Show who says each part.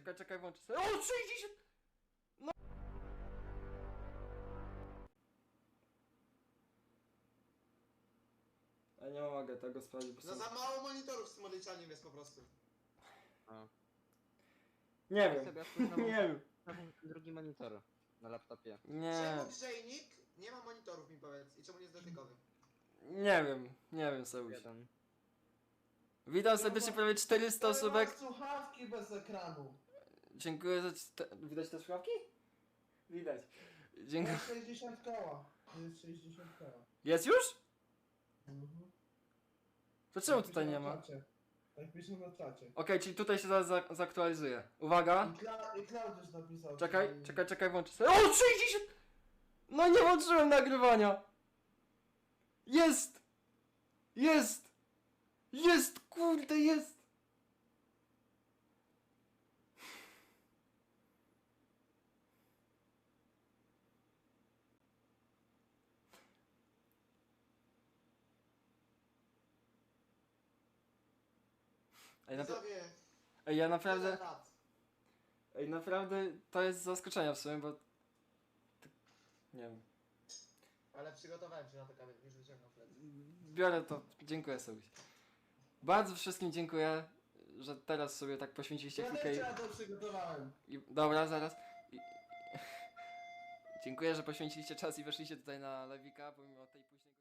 Speaker 1: Czekaj, włączę sobie. O, 60! No! Ja nie mogę tego sprawdzić, bo
Speaker 2: No za mało monitorów z tym odliczaniem jest po prostu.
Speaker 1: Nie wiem,
Speaker 3: Sobie otwórz
Speaker 1: nie wiem.
Speaker 3: drugi monitor na laptopie.
Speaker 1: Nie,
Speaker 2: Czemu grzejnik nie ma monitorów, mi powiedz? I czemu nie jest dotykowy?
Speaker 1: nie wiem Seuś.
Speaker 3: Jeden.
Speaker 1: Witam serdecznie, prawie 400 osóbek.
Speaker 4: Słuchawki bez ekranu.
Speaker 1: Dziękuję za... Widać te słuchawki? Widać. Dziękuję.
Speaker 4: Jest 60 koła. Jest 60 koła.
Speaker 1: Jest już?
Speaker 4: Mhm.
Speaker 1: To czemu
Speaker 4: Tak
Speaker 1: tutaj
Speaker 4: pisze
Speaker 1: nie
Speaker 4: na
Speaker 1: ma?
Speaker 4: czacie. Tak pisze na czacie.
Speaker 1: Okej, czyli tutaj się zaraz zaktualizuje. Uwaga.
Speaker 4: I Klaudiusz napisał.
Speaker 1: Czekaj, włączę sobie. O, 60! No nie włączyłem nagrywania! Jest! Jest! Jest, kurde, jest!
Speaker 2: Widzowie,
Speaker 1: Ej, ja
Speaker 2: tyle
Speaker 1: naprawdę...
Speaker 2: lat.
Speaker 1: Ej, naprawdę to jest zaskoczenia w sumie, bo... Nie wiem.
Speaker 2: Ale przygotowałem się na to kamień, już wyciągam plec.
Speaker 1: Biorę to. Dziękuję sobie. Bardzo wszystkim dziękuję, że teraz sobie tak poświęciliście
Speaker 4: Ja
Speaker 1: chwilkę
Speaker 4: też ja to przygotowałem.
Speaker 1: Dobra, zaraz. Dziękuję, że poświęciliście czas i weszliście tutaj na Lewika, pomimo tej późnej